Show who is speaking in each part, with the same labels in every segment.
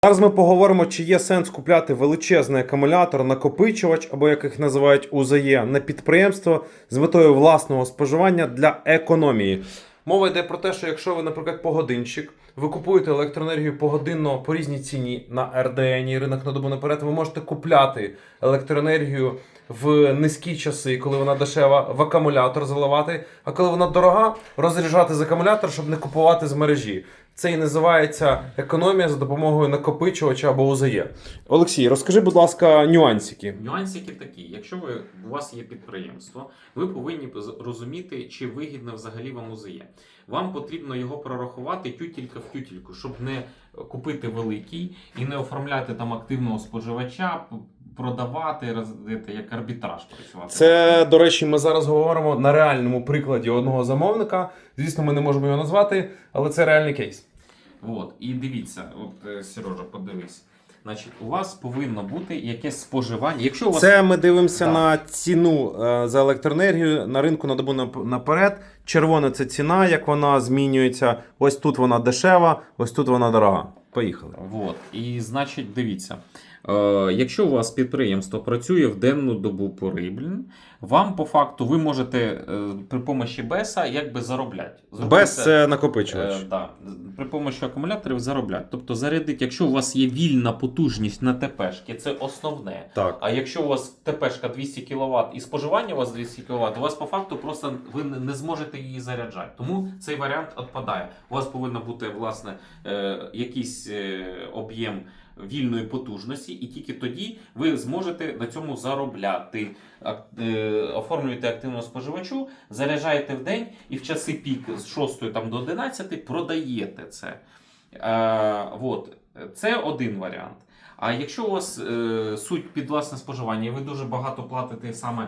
Speaker 1: Зараз ми поговоримо, чи є сенс купляти величезний акумулятор, накопичувач, або як їх називають УЗЄ, на підприємство з метою власного споживання для економії. Мова йде про те, що якщо ви, наприклад, погодинщик, ви купуєте електроенергію погодинно по різній ціні на РДН, ринок на добу наперед, ви можете купляти електроенергію в низькі часи, коли вона дешева, в акумулятор заливати, а коли вона дорога, розряджати з акумулятора, щоб не купувати з мережі. Це і називається економія за допомогою накопичувача або УЗЄ. Олексій, розкажи, будь ласка, нюансики.
Speaker 2: Нюансики такі. Якщо у вас є підприємство, ви повинні розуміти, чи вигідно взагалі вам УЗЄ. Вам потрібно його прорахувати тютілька в тютільку, щоб не купити великий і не оформляти там активного споживача, продавати, як арбітраж працювати.
Speaker 1: Це, до речі, ми зараз говоримо на реальному прикладі одного замовника. Звісно, ми не можемо його назвати, але це реальний кейс.
Speaker 2: От, і дивіться, Сережа, подивись. Значить, у вас повинно бути якесь споживання. Якщо у вас...
Speaker 1: Це ми дивимося на ціну за електроенергію на ринку на добу наперед. Червона – це ціна, як вона змінюється. Ось тут вона дешева, ось тут вона дорога. Поїхали.
Speaker 2: От, і значить, дивіться. Якщо у вас підприємство працює в денну добу пори, вам по факту ви можете при помощі БЕСа якби заробляти.
Speaker 1: БЕС – це накопичувач.
Speaker 2: Да, при помощі акумуляторів заробляти. Тобто зарядити, якщо у вас є вільна потужність на ТПшки, це основне.
Speaker 1: Так.
Speaker 2: А якщо у вас ТПшка 200 кВт і споживання у вас 200 кВт, у вас по факту просто ви не зможете її заряджати. Тому цей варіант відпадає. У вас повинен бути, власне, якийсь об'єм вільної потужності, і тільки тоді ви зможете на цьому заробляти. Оформлюєте активного споживачу, заряджаєте в день і в часи пік з 6 там, до 11 продаєте це. От. Це один варіант. А якщо у вас суть під власне споживання, і ви дуже багато платите саме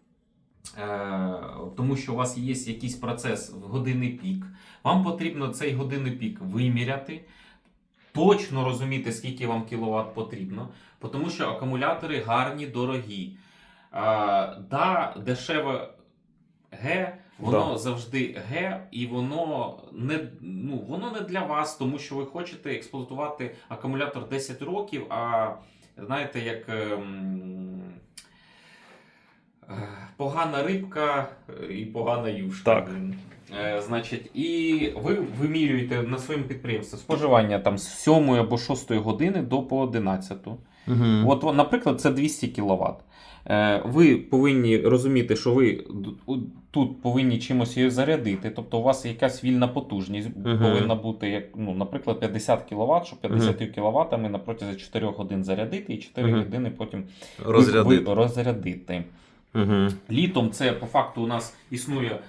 Speaker 2: тому що у вас є якийсь процес в годинний пік, вам потрібно цей годинний пік виміряти, точно розуміти, скільки вам кіловат потрібно, тому що акумулятори гарні, дорогі. Да, дешеве Г, воно завжди Г, і воно не для вас, тому що ви хочете експлуатувати акумулятор 10 років, а знаєте, як погана рибка і погана юшка.
Speaker 1: Так.
Speaker 2: Значить, і ви вимірюєте на своєму підприємстві споживання там з 7 або 6 години до по 11. От, наприклад, це 200 кВт. Ви повинні розуміти, що ви тут повинні чимось її зарядити. Тобто у вас якась вільна потужність повинна бути, як, наприклад, 50 кВт, щоб 50 кВт на протязі 4 годин зарядити і 4 години потім розрядити. Літом це по факту у нас існує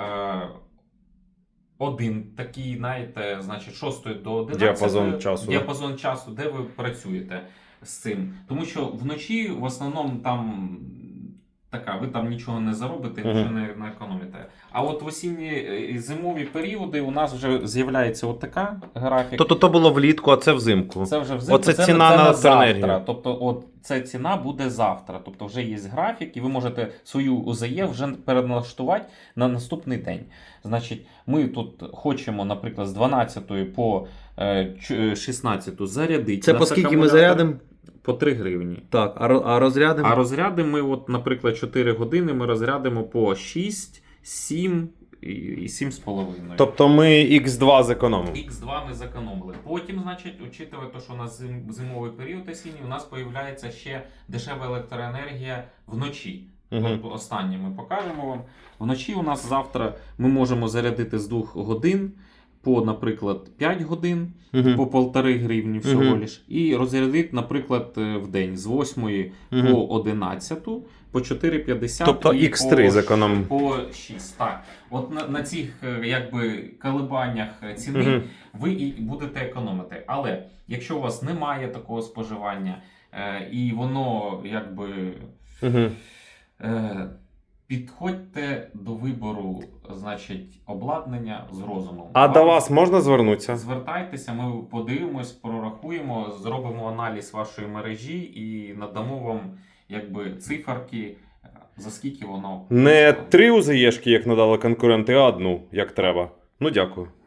Speaker 2: один такий, знаєте, значить, 6 до 11 діапазон часу, де ви працюєте з цим. Тому що вночі в основному там ви там нічого не заробите, нічого не економите. А от в осінні і зимові періоди у нас вже з'являється от така графіка.
Speaker 1: Тобто то було влітку, а це взимку.
Speaker 2: Це вже взимку.
Speaker 1: Оце ціна на електроенергію.
Speaker 2: Тобто от ця ціна буде завтра. Тобто вже є графік і ви можете свою УЗЄ вже переналаштувати на наступний день. Значить, ми тут хочемо, наприклад, з 12 по 16 зарядити.
Speaker 1: Це по скільки ми зарядимо?
Speaker 2: По 3 гривні.
Speaker 1: Так, а розрядимо?
Speaker 2: А розрядимо ми, от, наприклад, 4 години ми розрядимо по 6, 7 і 7,5.
Speaker 1: Тобто ми Х2 зекономимо?
Speaker 2: Х2 ми зекономили. Потім, значить, учитывая те, що у нас зимовий період осінній, у нас з'являється ще дешева електроенергія вночі. Тобто останнє ми покажемо вам. Вночі у нас завтра ми можемо зарядити з 2 годин по, наприклад, 5 годин, по 1,5 гривні всього лиш. І розрядити, наприклад, в день з 8 по 11, по 4,50
Speaker 1: тобто Х3 зекономимо.
Speaker 2: По 6. Так. От на цих колебаннях ціни ви і будете економити. Але якщо у вас немає такого споживання і воно якби... Підходьте до вибору, значить, обладнання з розумом.
Speaker 1: А до вас можна звернутися?
Speaker 2: Звертайтеся, ми подивимось, прорахуємо, зробимо аналіз вашої мережі і надамо вам якби циферки, за скільки воно...
Speaker 1: Не 3 УЗЄшки, як надали конкуренти, а 1, як треба. Ну, дякую.